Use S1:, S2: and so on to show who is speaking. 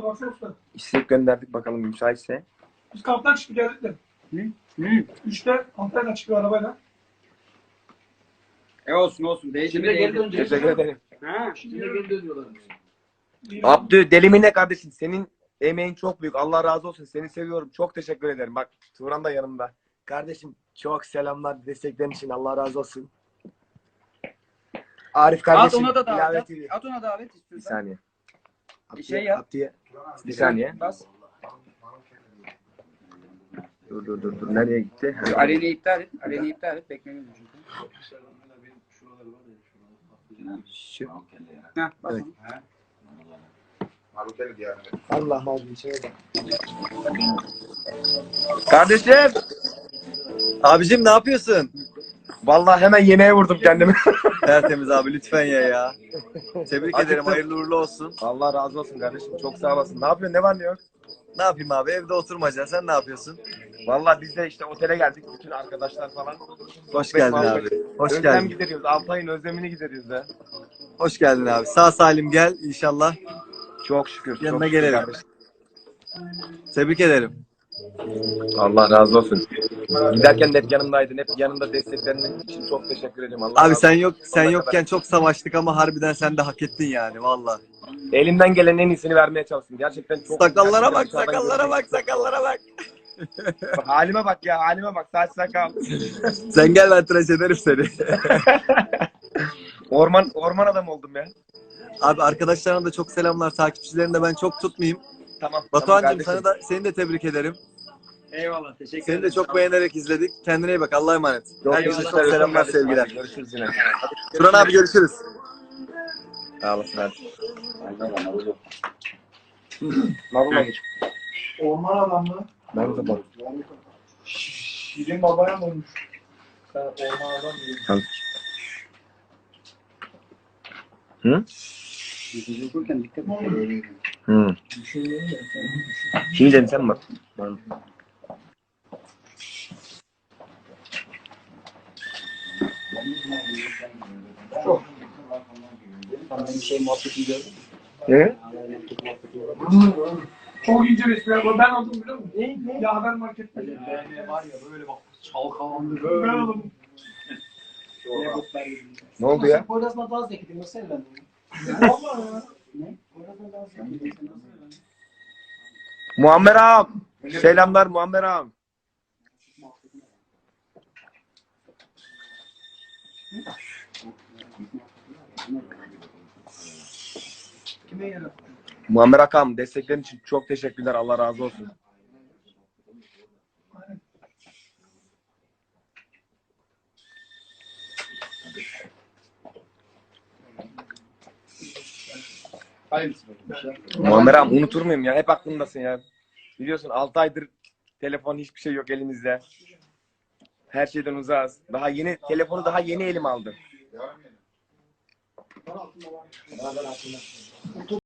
S1: baksana usta.
S2: İstek gönderdik bakalım müsaitse.
S1: Biz kamptan çıktık geldik de. Üçte Antalya'dan çıkıyor arabayla.
S3: Olsun. Değişimi geri döneceğiz.
S2: Teşekkür ederim.
S3: Ha, şimdi geri dönüyorlar.
S2: Abdü delimine kardeşim senin emeğin çok büyük. Allah razı olsun. Seni seviyorum. Çok teşekkür ederim. Bak Turan da yanımda. Kardeşim çok selamlar desteklerin için. Allah razı olsun. Arif
S3: At
S2: kardeşim.
S3: ona da davet.
S2: ilave TV.
S3: At ona davet
S2: Bir
S3: istiyorsan.
S2: saniye.
S3: Şey yap.
S2: Abdü'ye. Bir saniye.
S3: Bas.
S2: Dur. Nereye gitti?
S3: Aleni iptal et. Aleni iptal et. Beklemiyorum çünkü.
S2: Şu.
S3: Heh, bas.
S2: Evet.
S3: onu.
S2: Allah razı olsun. Kardeşim.
S4: Abicim ne yapıyorsun?
S2: Vallahi hemen yemeğe vurdum kendimi.
S4: Tertemiz abi lütfen ya. Tebrik
S2: Acıktım.
S4: ederim, hayırlı uğurlu olsun.
S2: Allah razı olsun kardeşim. Çok sağ olasın. Ne yapıyorsun? Ne var ne yok?
S4: Ne yapayım abi, evde oturmaca, sen ne yapıyorsun?
S2: Vallahi biz de işte otele geldik. Bütün arkadaşlar falan.
S4: Hoş geldin abi. Hoş
S2: Özlem
S4: geldin.
S2: gideriyoruz. Altay'ın özlemini gideriyoruz da.
S4: Hoş geldin abi. Sağ salim gel inşallah.
S2: Çok şükür.
S4: Yanına
S2: çok şükür
S4: gelelim.
S2: kardeşim.
S4: Tebrik ederim.
S2: Allah razı olsun. Giderken de hep yanımdaydın. Hep yanımda desteklerin için çok teşekkür ederim. Allah
S4: Abi
S2: razı
S4: sen
S2: olsun.
S4: yok, sen
S2: Sonuna
S4: yokken
S2: kadar.
S4: çok savaştık ama harbiden sen de hak ettin yani valla.
S2: Elimden gelen en iyisini vermeye çalıştım. Gerçekten çok.
S4: Sakallara bak,
S2: gerçekten
S4: sakallara bak, sakallara bak.
S2: Halime bak ya, halime bak. Saç sakal.
S4: Sen gel, ben tıraş ederim seni.
S2: Orman adam oldum ya.
S4: Abi arkadaşlarına da çok selamlar, takipçilerini de ben çok tutmayayım.
S2: Tamam.
S4: Batuhan'cığım
S2: kardeşim.
S4: seni de tebrik ederim.
S3: Eyvallah. Teşekkür
S4: Seni
S3: ederim.
S4: de çok beğenerek izledik. Kendine iyi bak, Allah'a emanet.
S2: Çok
S4: Herkese
S2: teşekkür
S4: çok
S2: ederim
S4: selamlar,
S2: kardeşim.
S4: sevgiler.
S2: Hadi görüşürüz yine.
S4: Turan abi görüşürüz.
S2: Sağ olasın hadi. Marul'a geç.
S1: Orman adamı.
S2: Marul'a bak.
S1: Şirin babaya mı olmuş? Sen orman adam diyorsun.
S2: Hı?
S3: Okurken dikkat et.
S2: Hı. Şimdi dedim sen bak.
S3: Sen benim şey muhabbetini gördün mü?
S2: Ne?
S1: Çok ince bir espri. Ben aldım biliyor musun? Ne? Ya haber markette.
S3: BMW var ya böyle bak çalkalandı
S1: Ben
S3: böyle.
S1: aldım.
S2: Ne oldu ya?
S5: Poyraz'la dans ekledim. Nasıl evlendin?
S1: Valla ya.
S5: Ne? Poyraz'la dans ekledim.
S2: Muammer ağam. Selamlar Muammer ağam.
S5: Kime yarar?
S2: Muammer Akam desteklerin için çok teşekkürler. Allah razı olsun.
S3: Hayırlısı.
S2: Muammer ağam unutur muyum ya? Hep aklımdasın ya. Biliyorsun 6 aydır telefon hiçbir şey yok elimizde. Her şeyden uzağız. Telefonu daha yeni elim aldım.